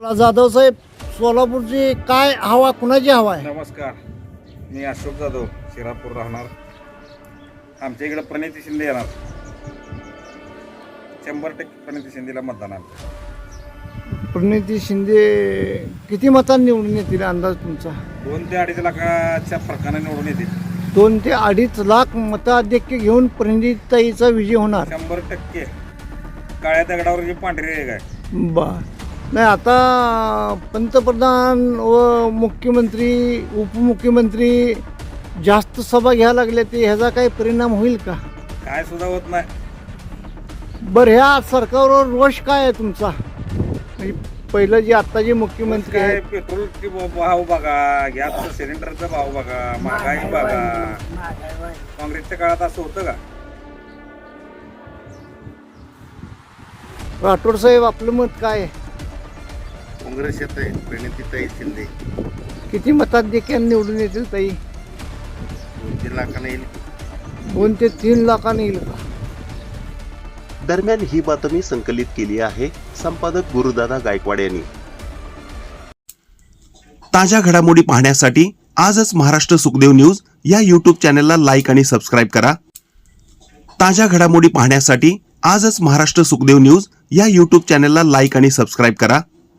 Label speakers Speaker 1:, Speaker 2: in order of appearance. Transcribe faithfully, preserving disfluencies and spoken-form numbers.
Speaker 1: जाधव साहेब, सोलापूरची काय हवा, कुणाची हवा आहे?
Speaker 2: नमस्कार, मी अशोक जाधव, शिरापूर राहणार. आमच्या इकडे प्रणिती शिंदे येणार. शंभर टक्के प्रणिती शिंदेला मतदान आहे.
Speaker 1: प्रणिती शिंदे किती मतांनी निवडून येतील अंदाज तुमचा?
Speaker 2: दोन ते अडीच लाखाच्या फरकाने निवडून येतील.
Speaker 1: दोन ते अडीच लाख मताधिक्य घेऊन प्रणितीताईचा विजय होणार.
Speaker 2: शंभर टक्के काळ्या दगडावर जी पांढरी रेघ आहे.
Speaker 1: बर. नाही, आता पंतप्रधान व मुख्यमंत्री उपमुख्यमंत्री जास्त सभा घ्यायला लागले, ते ह्याचा काही परिणाम होईल का?
Speaker 2: काय सुद्धा होत नाही.
Speaker 1: बरं, ह्या सरकारवर रोष काय आहे तुमचा? म्हणजे पहिलं जे आता जे मुख्यमंत्री
Speaker 2: काय
Speaker 1: आहेत,
Speaker 2: पेट्रोलचे भाव बघा, गॅसचा सिलेंडरचा भाव बघा, महागाई बघा. काँग्रेसच्या काळात असं होतं का?
Speaker 1: राठोड साहेब, आपलं मत काय आहे?
Speaker 3: काँग्रेस येत आहे. प्रणितीताई शिंदे
Speaker 1: किती मताधिक्य निवडून येतील ताई?
Speaker 3: दोन तीन लाखांना येईल.
Speaker 1: दोन ते तीन लाखांनी येईल का?
Speaker 4: दरम्यान ही बातमी संकलित केली आहे संपादक गुरुदादा गायकवाड यांनी. ताज्या घडामोडी पाहण्यासाठी आजच महाराष्ट्र सुखदेव न्यूज या यूट्यूब चॅनलला लाईक आणि सबस्क्राईब करा. ताज्या घडामोडी पाहण्यासाठी आजच महाराष्ट्र सुखदेव न्यूज या यूट्यूब चॅनलला लाईक आणि सबस्क्राईब करा.